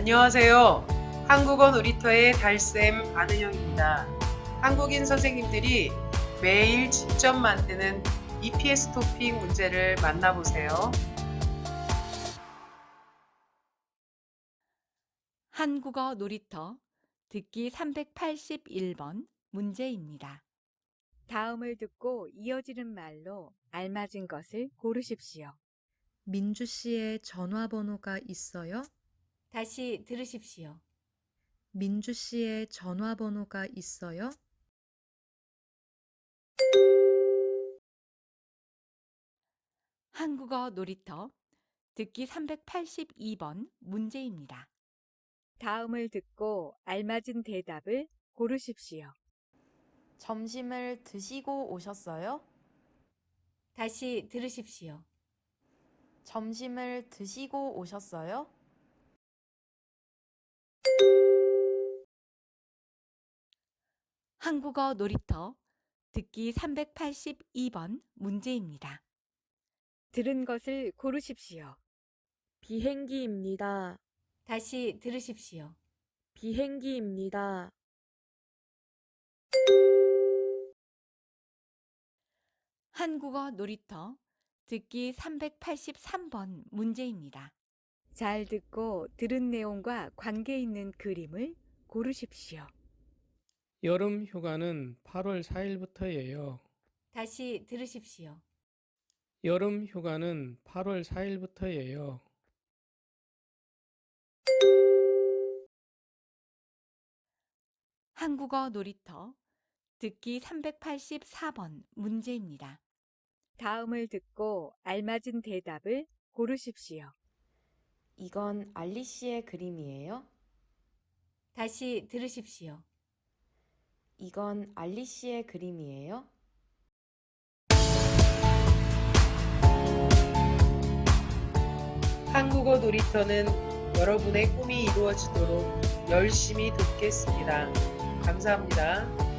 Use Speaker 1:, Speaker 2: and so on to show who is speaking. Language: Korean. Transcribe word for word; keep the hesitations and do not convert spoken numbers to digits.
Speaker 1: 안녕하세요. 한국어 놀이터의 달쌤 안은영입니다. 한국인 선생님들이 매일 직접 만드는 이피에스 토픽 문제를 만나보세요.
Speaker 2: 한국어 놀이터 듣기 삼백팔십일 번 문제입니다. 다음을 듣고 이어지는 말로 알맞은 것을 고르십시오.
Speaker 3: 민주 씨의 전화번호가 있어요?
Speaker 2: 다시 들으십시오.
Speaker 3: 민주 씨의 전화번호가 있어요?
Speaker 2: 한국어 놀이터 듣기 삼백팔십이 번 문제입니다. 다음을 듣고 알맞은 대답을 고르십시오.
Speaker 4: 점심을 드시고 오셨어요?
Speaker 2: 다시 들으십시오.
Speaker 4: 점심을 드시고 오셨어요?
Speaker 2: 한국어 놀이터 듣기 삼백팔십이 번 문제입니다. 들은 것을 고르십시오.
Speaker 5: 비행기입니다.
Speaker 2: 다시 들으십시오.
Speaker 5: 비행기입니다.
Speaker 2: 한국어 놀이터 듣기 삼백팔십삼 번 문제입니다. 잘 듣고 들은 내용과 관계 있는 그림을 고르십시오.
Speaker 6: 여름 휴가는 팔월 사일부터예요.
Speaker 2: 다시 들으십시오.
Speaker 6: 여름 휴가는 팔월 사일부터예요.
Speaker 2: 한국어 놀이터 듣기 삼백팔십사 번 문제입니다. 다음을 듣고 알맞은 대답을 고르십시오.
Speaker 4: 이건 알리 씨의 그림이에요?
Speaker 2: 다시 들으십시오.
Speaker 4: 이건 알리 씨의 그림이에요?
Speaker 1: 한국어 놀이터는 여러분의 꿈이 이루어지도록 열심히 돕겠습니다. 감사합니다.